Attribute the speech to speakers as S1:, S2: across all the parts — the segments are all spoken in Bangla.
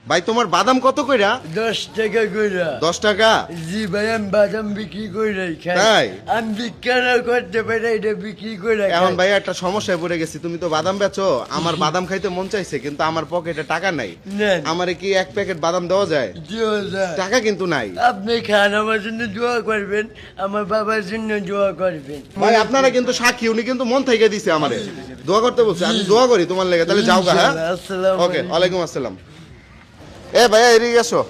S1: ভাই তোমার বাদাম কত কইরা?
S2: 10 টাকা কইরা।
S1: 10 টাকা?
S2: জি ভাই, আমি বাদাম বিক্রি কইরা খাই।
S1: তাই?
S2: আমি বিক্রি করতে পারি, এটা বিক্রি কইরা খাই।
S1: এখন ভাই একটা সমস্যায় পড়ে গেছি, তুমি তো বাদাম বেচো, আমার বাদাম খাইতে মন চাইছে কিন্তু আমার পকেটে টাকা নাই।
S2: নেন।
S1: আমারে কি এক প্যাকেট বাদাম দেওয়া যায়?
S2: দিও যায়।
S1: টাকা কিন্তু নাই।
S2: আপনি খান, আমার জন্য দোয়া করবেন, আমার বাবার জন্য দোয়া করবেন।
S1: ভাই আপনারা কিন্তু সাক্ষী, উনি কিন্তু মন থেকে দিছে আমারে দোয়া করতে বলছে, আমি দোয়া করি তোমার লেগে। তাহলে যাও গা। হ্যাঁ,
S2: আসসালামু
S1: ওকে,
S2: আলাইকুম।
S1: ওয়ালাইকুম আসসালাম। এ ভাইয়া এদিকে আসো,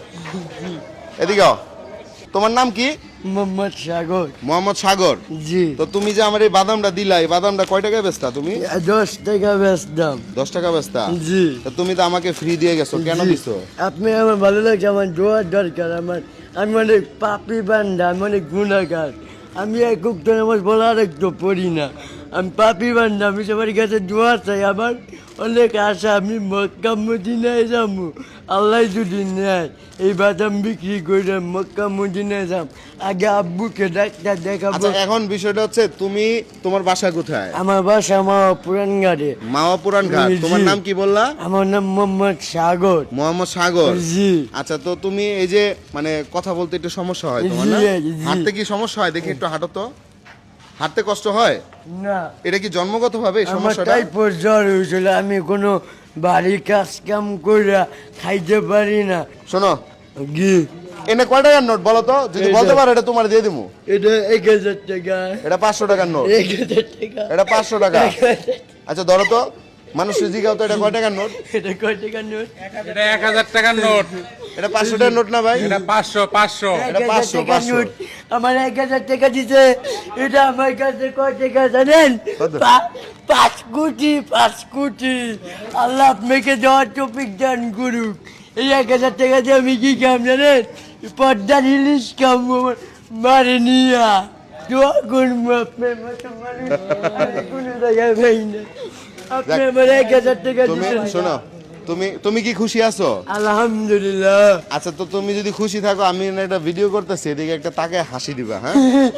S1: এদিকে আও। তোমার নাম কি?
S2: মোহাম্মদ সাগর।
S1: মোহাম্মদ সাগর।
S2: জি।
S1: তো তুমি যে আমার এই বাদামটা দিলা, এই বাদামটা কয় টাকায় বেচতা তুমি?
S2: 10 টাকা বেচতাম।
S1: 10 টাকা বেচতা?
S2: জি।
S1: তো তুমি তো আমাকে ফ্রি দিয়ে গেছো, কেন
S2: জি।
S1: দিছো?
S2: আপনি আমার ভালো লাগছে, আমার দোয়ার দরকার। আমি অনেক পাপি বান্ধা, আমি অনেক গুণাগার। আমি এক উক্ত নামাজ বলা একটু পড়ি না, আমি পাপি বান্ধা। আমি সবার কাছে দোয়া চাই, আমার অনেক আশা, আমি মক্কা মদিনায় যাবো। আল্লাহ যদি নেয় এই বাদাম বিক্রি করে মক্কা মদিনায় যাব। আগে আব্বুকে ডাক্তার দেখাবো।
S1: আচ্ছা, এখন বিষয়টা হচ্ছে তুমি, তোমার বাসা কোথায়?
S2: আমার বাসা আমার পুরান ঘাটে।
S1: মাওয়া পুরান ঘাট।
S2: জি।
S1: তোমার নাম কি বললা?
S2: আমার নাম মোহাম্মদ সাগর।
S1: মোহাম্মদ সাগর।
S2: জি।
S1: আচ্ছা, তো তুমি এই যে মানে কথা বলতে একটু সমস্যা হয় তোমার না?
S2: জি।
S1: হাঁটতে কি সমস্যা হয়? দেখি একটু হাঁটো তো। হাঁটতে কষ্ট হয়?
S2: না,
S1: এটা কি জন্মগতভাবে এই
S2: আমার
S1: সমস্যাটা?
S2: টাইফয়েড জ্বর হয়েছিল। আমি কোনো বাড়ির কাজ কাম করে খাইতে পারি না।
S1: শোনো,
S2: গি
S1: এনে কয় টাকার নোট বলো তো? যদি
S2: এই যে।
S1: বলতে পারো এটা তোমার দিয়ে দিবো।
S2: এটা 1000 টাকা।
S1: এটা 500 টাকার নোট।
S2: 1000 টাকা।
S1: এটা 500 টাকা।
S2: 1000
S1: আচ্ছা ধরো তো, মানুষের জিগাও তো এটা কয় টাকার নোট?
S2: এটা কয় টাকা নোট?
S3: এটা 1000 টাকার নোট।
S1: এটা 500 টাকার নোট না ভাই?
S3: এটা 500 500।
S1: এটা
S2: 1000
S1: 500,
S2: টাকা
S1: 500
S2: নোট। আমার 1000 টাকা দিছে। এটা আমার কাছে কয় টাকা জানেন?
S1: কত?
S2: 5 কোটি, 5 কোটি। আল্লাহ আপনাকে দেওয়ার তৌফিক দান করুক। এই 1000 টাকা দিয়ে আমি কি কাম জানেন? পর্দার ইলিশ কাম মারে নিয়া। দোয়া করবো আপনার মতো মানুষ আমি কোনো জায়গায় পাই না। আপনি আমার 1000 টাকা
S1: তুমি
S2: দিচ্ছেন।
S1: শোনো, তুমি কি খুশি আছো?
S2: আলহামদুলিল্লাহ।
S1: আচ্ছা, তো তুমি যদি খুশি থাকো, আমি না একটা ভিডিও করতেছি, এদিকে একটা তাকে হাসি দিবা। হ্যাঁ,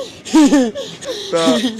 S1: তো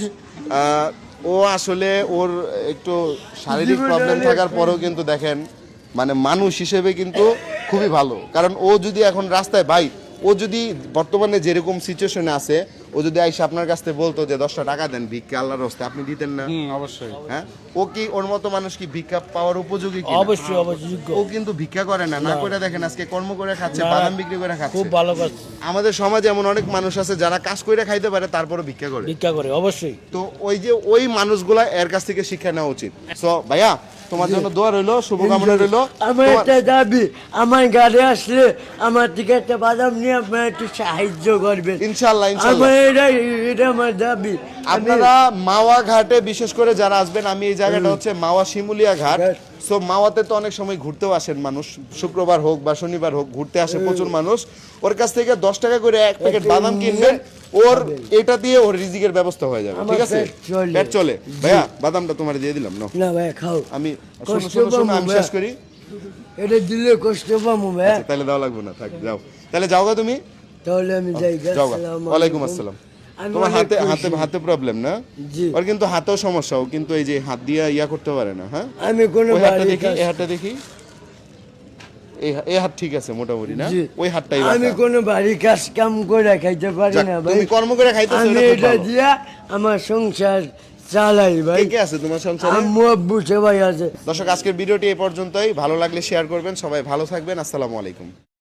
S1: ও আসলে ওর একটু শারীরিক প্রবলেম থাকার পরেও কিন্তু দেখেন মানে মানুষ হিসেবে কিন্তু খুবই ভালো। কারণ ও যদি এখন রাস্তায়, ভাই ও যদি বর্তমানে যেরকম সিচুয়েশনে আছে, ও যদি আইসা আপনার কাছ থেকে বলতো যে 10টা টাকা দেন ভিক্ষা আল্লাহর রাস্তায়, আপনি দিতেন না?
S3: অবশ্যই।
S1: হ্যাঁ, ও কি ওর মতো মানুষ কি ভিক্ষা পাওয়ার উপযোগী কি?
S2: অবশ্যই অবশ্যই।
S1: ও কিন্তু ভিক্ষা করে না, না করে দেখেন আজকে কর্ম করে খাচ্ছে, বাদাম বিক্রি করে খাচ্ছে।
S2: খুব ভালো কাজ
S1: আমাদের সমাজে এমন অনেক মানুষ আছে যারা কাজ করে খাইতে পারে তারপরে ভিক্ষা করে।
S2: ভিক্ষা করে, অবশ্যই।
S1: তো ওই যে ওই মানুষগুলা এর কাছ থেকে শিক্ষা নেওয়া উচিত। সো ভাইয়া, তোমার জন্য দোয়া রইলো, শুভকামনা রইলো।
S2: আমার একটা দাবি, আমার গাড়ি আসলে আমার থেকে একটা বাদাম নিয়ে আপনার একটু সাহায্য করবেন।
S1: ইনশাআল্লাহ, ইনশাআল্লাহ।
S2: আমার এটা আমার দাবি।
S1: আপনারা মাওয়া ঘাটে বিশেষ করে যারা আসবেন, আমি এই জায়গাটা হচ্ছে মাওয়া শিমুলিয়া ঘাট। সো মাওয়াতে তো অনেক সময় ঘুরতেও আসেন মানুষ, শুক্রবার হোক বা শনিবার হোক ঘুরতে আসে প্রচুর মানুষ। ওর কাছ থেকে 10 টাকা করে এক প্যাকেট বাদাম কিনবেন, ওর এটা দিয়ে ওর রিজিকের ব্যবস্থা হয়ে যাবে। ঠিক আছে, পেট চলে। ভাইয়া বাদামটা তোমার দিয়ে দিলাম না?
S2: না ভাই, খাও।
S1: আমি
S2: কষ্ট
S1: শোনো শোনো শোনো, আমি
S2: পাবো
S1: শেষ করি।
S2: এটা দিলে কষ্ট পাবো ভাই।
S1: আচ্ছা, তাহলে দেওয়া লাগবে না, থাক, যাও। তাহলে যাও গা তুমি,
S2: তাহলে আমি যাই।
S1: যাও গা।
S2: আসসালামু
S1: ওয়ালাইকুম
S2: আলাইকুম।
S1: আসসালাম।
S2: আমি
S1: তোমার
S2: অনেক
S1: হাতে
S2: খুশি।
S1: হাতে হাতে প্রবলেম না?
S2: জি।
S1: ওর কিন্তু হাতেও সমস্যা, ও কিন্তু এই যে হাত দিয়ে ইয়া করতে পারে না। হ্যাঁ,
S2: আমি কোনো
S1: ওই হাতটা
S2: বাড়ির
S1: দেখি,
S2: কাজ-
S1: এই হাতটা দেখি। এই হাত ঠিক আছে মোটামুটি না?
S2: জি।
S1: ওই হাতটাই
S2: আমি
S1: বাঁকা।
S2: কোনো বাড়ির কাজ কাম করে খাইতে পারি
S1: যাক,
S2: না ভাই।
S1: তুমি কর্ম করে খাইতেছো,
S2: আমি
S1: এটা খুব
S2: এটা
S1: ভালো।
S2: দিয়া আমার সংসার চালাই ভাই।
S1: কে কে আছে তোমার সংসারে?
S2: আম্মু আব্বু সবাই আছে।
S1: দর্শক, আজকের ভিডিওটি এই পর্যন্তই। ভালো লাগলে শেয়ার করবেন। সবাই ভালো থাকবেন। আসসালামু আলাইকুম।